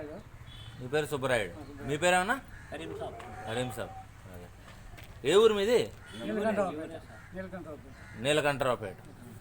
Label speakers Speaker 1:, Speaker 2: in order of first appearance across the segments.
Speaker 1: సుబ్బరాయుడు.
Speaker 2: మీ పేరు సుబ్బరాయుడు. మీ పేరేమన్నా? హరీం సాబ్. అదే. ఏ ఊరు మీది? నీలకంఠరావుపేట.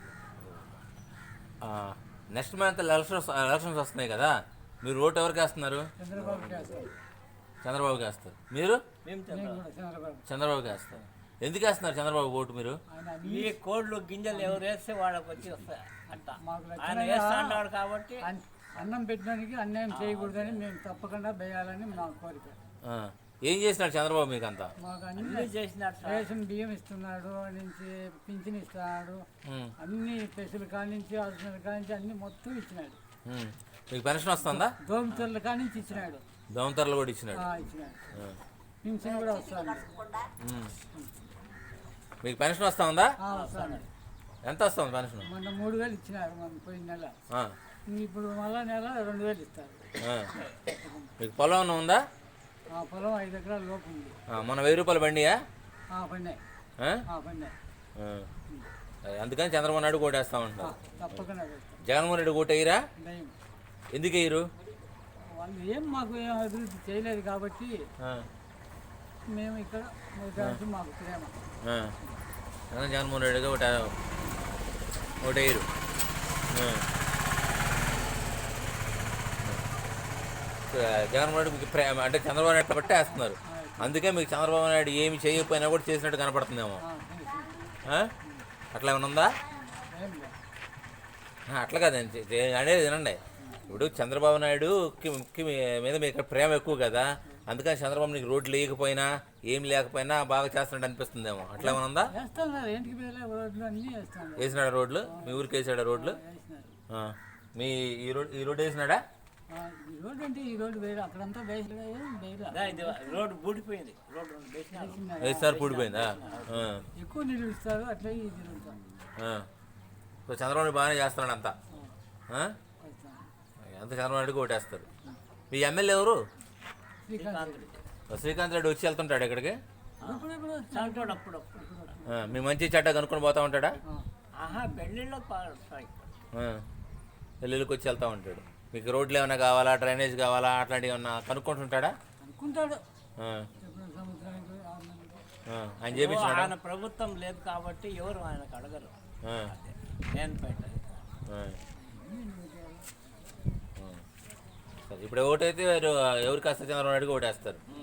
Speaker 2: నెక్స్ట్ మంత్ ఎలక్షన్స్ వస్తున్నాయి కదా, మీరు ఓటు ఎవరికి వేస్తున్నారు? చంద్రబాబుకి వేస్తారు. మీరు? చంద్రబాబుకి వేస్తారు. ఎందుకు వేస్తున్నారు చంద్రబాబు ఓటు మీరు?
Speaker 3: ఈ కోళ్ళు గింజలు ఎవరు వేస్తే వాళ్ళకి వచ్చి వస్తాయి అంట. ఆయన వేస్తాడు కాబట్టి
Speaker 1: అన్నం పెట్టడానికి అన్యాయం చేయకూడదని మేము తప్పకుండా వేయాలని మా కోరిక.
Speaker 2: ఏం చేసినాడు చంద్రబాబు మీకు అంతా?
Speaker 1: మాకు అన్ని చేసినాడు. రేషన్ బియ్యం ఇస్తున్నాడు, నుంచి పింఛన్ ఇస్తున్నాడు, అన్ని పెసులు కానించి హాస్పిటల్ కానించి అన్ని మొత్తం ఇచ్చినాడు.
Speaker 2: మీకు పెన్షన్ వస్తుందా?
Speaker 1: దోమతెరల కానించి ఇచ్చినాడు.
Speaker 2: దోమతెరలు కూడా ఇచ్చినాడు.
Speaker 1: పింఛన్ కూడా వస్తుంది.
Speaker 2: మీకు పెన్షన్ వస్తా ఉందా?
Speaker 1: వస్తాను.
Speaker 2: ఎంత వస్తుంది పెన్షన్?
Speaker 1: మొన్న 3000 ఇచ్చినారు మన పోయిన నెల. ఇప్పుడు మళ్ళా నెల 2000 ఇస్తారు.
Speaker 2: మీకు పొలం ఉందా?
Speaker 1: పొలం 5 ఎకరాల లోపు ఉంది.
Speaker 2: మన 1000 రూపాయలు బండియా?
Speaker 1: పండాయి.
Speaker 2: అందుకని చంద్రబాబు నాయుడు ఓటేస్తా ఉంటారు.
Speaker 1: తప్పకుండా
Speaker 2: జగన్మోహన్ రెడ్డి ఓటు వేయరా? ఎందుకు వేయరు?
Speaker 1: వాళ్ళు ఏం మాకు ఏం అభివృద్ధి చేయలేదు కాబట్టి మేము ఇక్కడ మాకు ప్రేమ.
Speaker 2: జగన్మోహన్ రెడ్డిగా ఓటు వేయరు. జగన్మోహన్ రెడ్డి మీకు ప్రేమ అంటే చంద్రబాబు నాయుడు బట్టి వేస్తున్నారు. అందుకే మీకు చంద్రబాబు నాయుడు ఏమి చేయకపోయినా కూడా చేసినట్టు కనపడుతుందేమో. అట్లా ఏమైనా ఉందా? అట్లా కాదండి అనేది వినండి. ఇప్పుడు చంద్రబాబు నాయుడుకి మీద మీకు ప్రేమ ఎక్కువ కదా, అందుకని చంద్రబాబు నీకు రోడ్లు లేకపోయినా ఏం లేకపోయినా బాగా చేస్తున్నట్టు అనిపిస్తుందేమో. అట్లా ఏమైనా ఉందా? వేసినాడా రోడ్లు? మీ ఊరికి వేసాడా రోడ్లు? మీ ఈ రోడ్డు వేసినాడా? వేస్తారు పూడిపోయిందా?
Speaker 1: ఎక్కువ నీళ్ళు ఇస్తారు. అట్లా
Speaker 2: చంద్రబాబు బాగానే చేస్తున్నాడు అంతా. అంత చంద్రబాబు నాయుడుకి ఓటేస్తారు. మీ ఎమ్మెల్యే ఎవరు? శ్రీకాంత్ రెడ్డి వచ్చి వెళ్తుంటాడు ఇక్కడికి. మీ మంచి చెడ్డ కనుక్కొని పోతా ఉంటాడా? పెళ్ళిళ్ళకి వచ్చి వెళ్తా ఉంటాడు. మీకు రోడ్లు ఏమైనా కావాలా, డ్రైనేజ్ కావాలా, అట్లాంటివి ఏమన్నా కనుక్కుంటుంటాడా? ఆయన చేపించాడు.
Speaker 3: ఆయన ప్రభుత్వం లేదు కాబట్టి ఎవరు ఆయనకు అడగరు.
Speaker 2: ఇప్పుడు ఓటైతే ఎవరికి వస్తే చంద్రబాబు నాయుడుకి ఓటేస్తారు.